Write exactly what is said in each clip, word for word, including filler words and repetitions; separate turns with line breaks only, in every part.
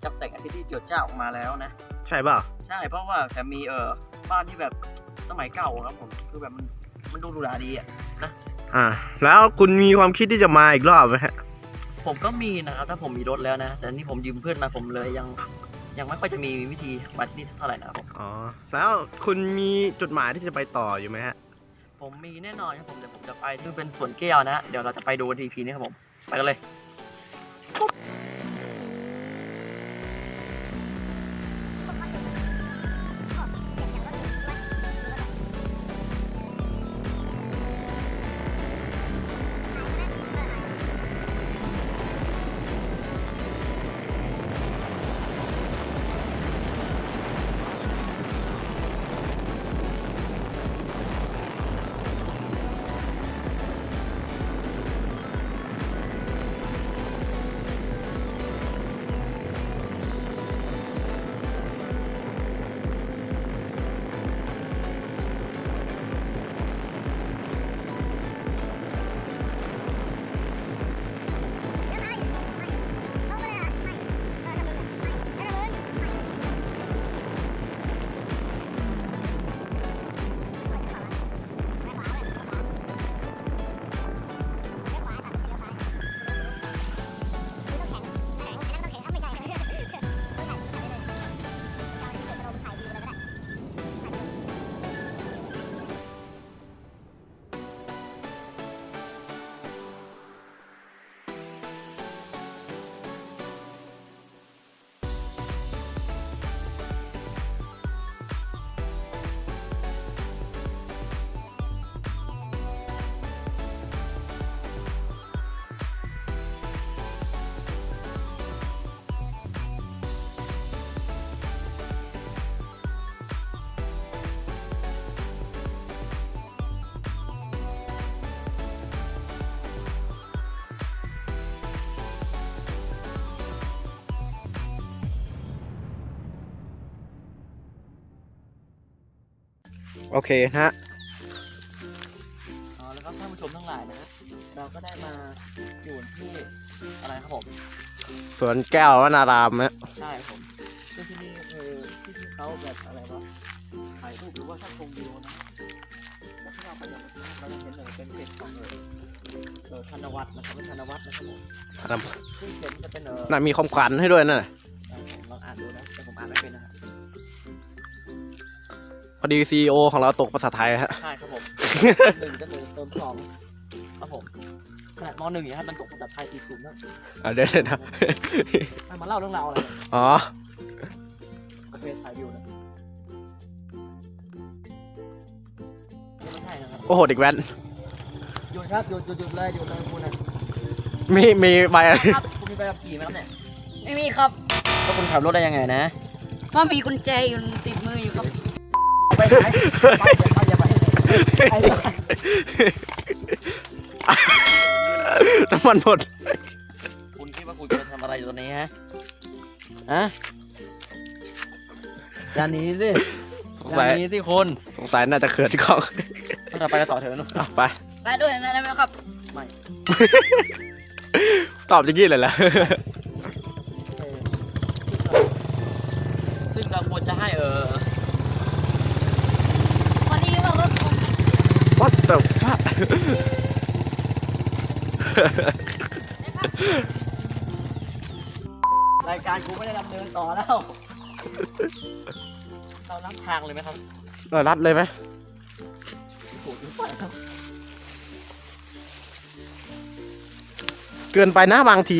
จากแสงอาทิตย์ที่เจิดจ้าออกมาแล้วนะ
ใช่เปล่า
ใช่เพราะว่าแต่มีเออบ้านที่แบบสมัยเก่าครับผมคือแบบมันมันดูหรูหราดีอ่ะนะ
อ่าแล้วคุณมีความคิดที่จะมาอีกรอบไหมฮะ
ผมก็มีนะครับถ้าผมมีรถแล้วนะแต่นี่ผมยืมเพื่อนมาผมเลยยังยังไม่ค่อยจะมีวิธีมาที่นี่เท่าไหร่นะครับผม
อ๋อแล้วคุณมีจุดหมายที่จะไปต่ออยู่ไหมฮะ
ผมมีแน่นอนครับผมเดี๋ยวผมจะไปคือเป็นสวนแก้วนะเดี๋ยวเราจะไปดูทีพีนี้ครับผมไปกันเลย
โอเคฮะ
อ๋อแล้วก็ท่านผู้ชมทั้งหลายนะเราก็ได้มาอยู่ที่อะไรครับผม
สวนแก้ววนารามฮะ
ใช่ผมซึ่งที่นี่คือที่ที่เขาแบบอะไรวะถ่ายรูปหรือว่าชอบชมวิวนะแล้วที่เราไปอย่างเราจะเห็นเลยเป็นเพจของเออเออธนวัฒน์นะครับเป็นธนวัฒน์นะครับผมซึ่งเขียนจะเป็นเออ
น่ามีความขวัญให้ด้วยนะ
ลองอ่านดูนะแต่ผมอ่านไม่เป็นนะครับ
พอดีซีอีโอของเราตกภาษาไทยฮะ
ใช่ครับผมหนึ่งก็เลยเติมสองครับผมขนาดมหนึ่งอย่างนี้มันตกภาษาไทยตีกลุ่มนะ
อ่าเดี๋ยวเดี๋ยวนะ
ให้มาเล่าเรื่องราวอะไร
อ๋อ
โอเคถ่ายวิวนะไม่ใช่นะครับ
โอ้โหเด็กแว้น
หยุดครับหยุดหยุดหยุดเลยหยุดเลยคุณนะ
มีมีใบอะไร
ครับคุณมีใบขับขี่ไหมครับเนี่ยไม่มีครับแล้วคุณขับรถได้ยังไงนะเพราะมีกุญแจอยู่ติดมืออยู่ครับไปไหนไปอย่าไปอย่าไป
น้ำมันหมด
คุณคิดว่าคุณจะทำอะไรอยู่ตรงนี้ฮะฮะอย่าหนีสิอย่าหนีสิคุณ
สงสัยน่าจะเขินกล้อง
เราไปกันต่อเถอะนุ๊ก
ไป
ไปด้วยนะได้ไหมครับไม่
ตอบอย่างนี้เลยล่ะ
ซึ่งเราควรจะให้เออ
What the fuck
รายการกูไม่ได้ดำเนินต่อแล้วเราลัดทางเลยไหมครับ
เราลัดเลยไหมเกินไปนะบางที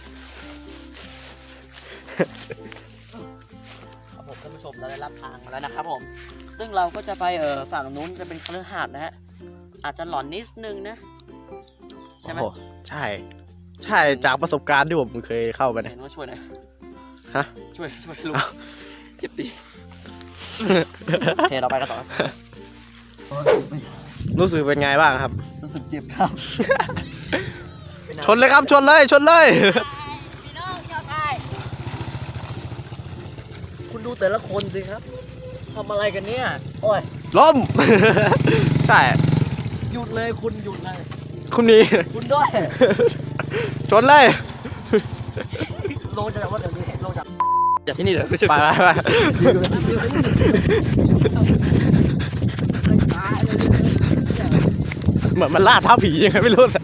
ครับผมท่านผู้ชมเราได้ลัดทางมาแล้วนะครับผมซึ่งเราก็จะไปเออฝั่งนู้นจะเป็นคฤหาสน์นะฮะอาจจะหลอนนิดนึงนะใช่ไหม
ใช่ใช่จากประสบการณ์ที่ผมเคยเข้าไปนะ
เห็นว่าช่วยหน่อย
ฮะ
ช่วยช่วยลุงเจ็บตีโอเคเราไปกันต่อ
รู้สึกเป็นไงบ้างครับ
รู้สึกเจ็บครับ
ชนเลยครับชนเลยชนเลย
พี่น้องชอบใครคุณดูแต่ละคนสิครับทำอะไรกันเนี่ยโอ้ย
ล้มใช่
หยุดเลยคุณหยุดเลย
คุณนี่
คุณด้วย
ชนเลย
ลงจากว่าเดี๋ยวนี้ลงจากจากที่นี่เหรอไม่ใช่
ไปไปไปเหมือนมันล่าท้าผียังไงไม่รู้สิ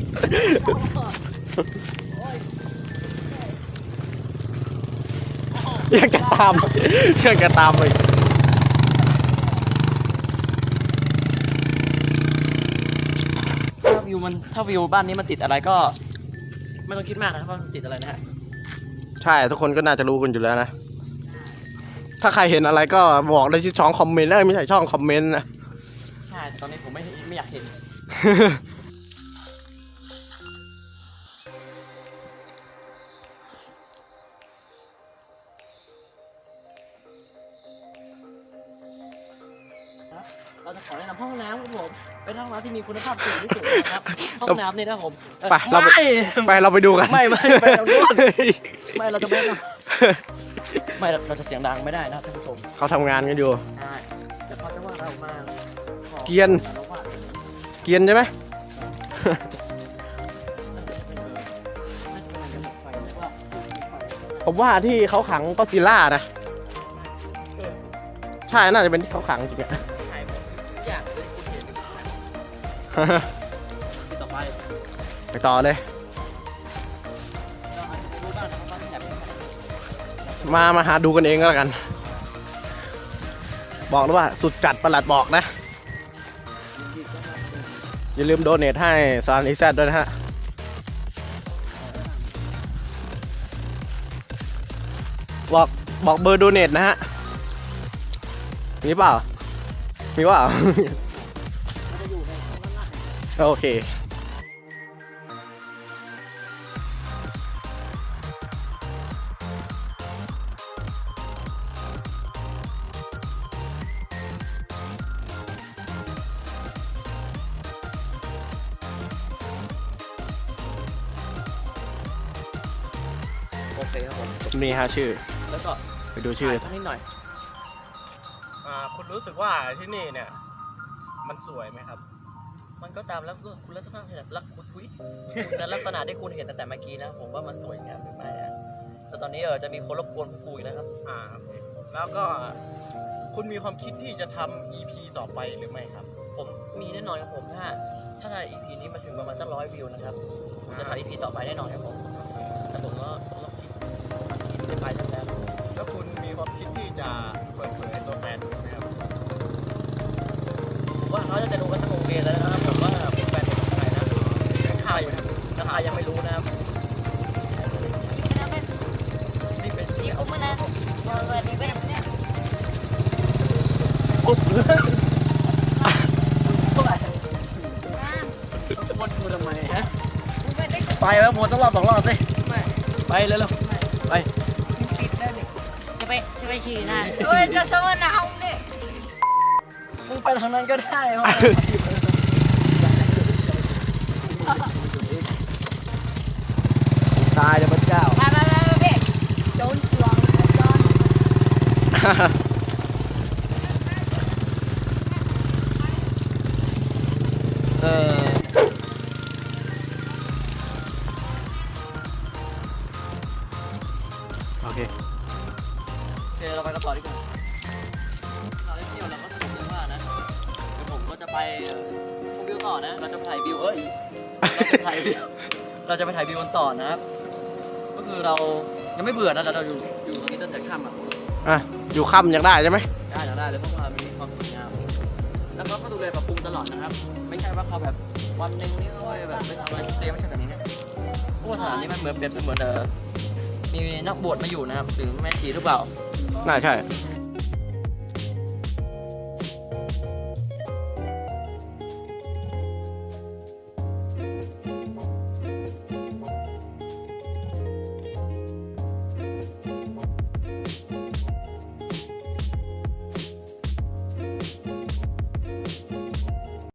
ยังจะตามยังจะตามไป
ถ้าวิวมันถ้าวิวบ้านนี้มันติดอะไรก็ ไม่ต้องคิดมากนะครับว่ามันติดอะไรนะฮะ
ใช่ทุกคนก็น่าจะรู้กันอยู่แล้วนะ ถ้าใครเห็นอะไรก็บอกได้ที่ช่องคอมเมนต์เอ้ยไม่ใช่ช่องคอมเมนต์นะ
ใช่ตอนนี้ผมไม่ไม่อยากเห็นเราจะขอแนะนำห้องน้ำครับผมเป็นห้องน้ำที่มีคุณภาพสูงที่สุดนะครับห้องน้ำนี่นะครับผมเอ่อ
ไปเราไป
ไม่
ไปเราไปดูกัน
ไม่ไม่ไปเราด้วยไม่เราจะไม่ทำไม่เราจะเสียงดังไม่ได้นะท่านผู้ชม
เขาทำงานกันอยู่
ใช่แต่เขาจะว่าเรามาขอ
เกรียน
เราว่า
เกรียนใช่ไหม ผมว่าที่เขาขังก็อดซิลล่านะ ใช่น่าจะเป็นที่เขาขังจริงอะ
ใช่อยากเลยคุณเห็นต่อไป
ไปต่อเลย
เราอาจจะรู้บ้างนะครับว่าที่ไหนเป็นไหน
มามาหาดูกันเองก็แล้วกัน บอกเลยว่าสุดจัดประหลัดบอกนะ อย่าลืมโดเนทให้ซานอีแซดด้วยนะฮะ บอกบอกเบอร์โดเนทนะฮะ มีเปล่า มีเปล่า โอเค
โอเคครับผม
นี่ฮะชื่อ
แล้วก็
ไปดูชื่อ
สักนิดหน่อย
อ่าคุณรู้สึกว่าที่นี่เนี่ย มันสวยไหมครับ
มันก็ตามแล้วคุณลักษณะลักคุณทุยคุณลักษณะที่คุณเห็นตั้งแต่เมื่อกี้นะผมว่ามันสวยงามหรือไม่นะแต่ตอนนี้เออจะมีคนรบกวนคุยนะครับ
อ่าโอเคแล้วก็คุณมีความคิดที่จะทำ อี พี ต่อไปหรือไม่ครับ
ผมมีแน่นอนครับผมถ้าถ้า อี พี นี้มาถึงประมาณสักร้อยวิวนะครับผมจะถ่าย อี พี ต่อไปแน่นอนครับผมแต่ผมก็ต้องคิดคิดไปตั้งแต่
แล้วคุณมีความคิดที่จะเปิดเผยตัวแทนไหมครับ
ผมว่าเขาจะรู้กันทั้งโรงเรียนแล้วนะครับผมว่าแฟนเป็นใครนะข้าอยู่นะราคายังไม่รู้นะครับนี่เป็น
Đi ôm bên đây. Rồi đi bên đây.
ปุ๊บ
À,
วนกูทำไมฮะ
ôm bên đây.
ไปแล้ววนต้องรอบสองรอบสิ
Mày,
ไปเร็วๆไป
mình xịt ra đi. Cho bay, cho bay xịt này. Ôi, cho sao mà nào không đi.
มึงไปทางนั้นก็ได้วะ ตายเลยพระเจ้า
Ba, ba, ba, ba, ba. Trốn chuồng, trốn.
เออ
โอเค
โอเคเราไปกันต่อดีกว่าเราได้เที่ยวเราก็สนุกมากนะเดี๋ยวผมก็จะไปเอ่อชมวิวต่อนะ เราจะไปถ่ายวิวเอ้ยเราจะถ่ายวิวเราจะไปถ่ายวิวกันต่อนะครับ ก็คือเรายังไม่เบื่อนะเราอยู่อยู่ตรงนี้ตั้งแต่ค่ำอ่ะ
อ่ะ อยู่ค่ำยังได้ใช่ไหม
ได้แล้วได้เลยเพราะว่ามีความสวยงามแล้วเขาก็ดูแลปรับปรุงตลอดนะครับ ไม่ใช่ว่าเขาแบบวันหนึ่งนี่เขาแบบไปทำอะไรเซฟไม่ใช่แบบนี้นะเพราะว่าสถานนี้มันเหมือนเปรียบเสมือนเออมีนักบวชมาอยู่นะครับหรือแม่ชีหรือเปล่า
น่าใช่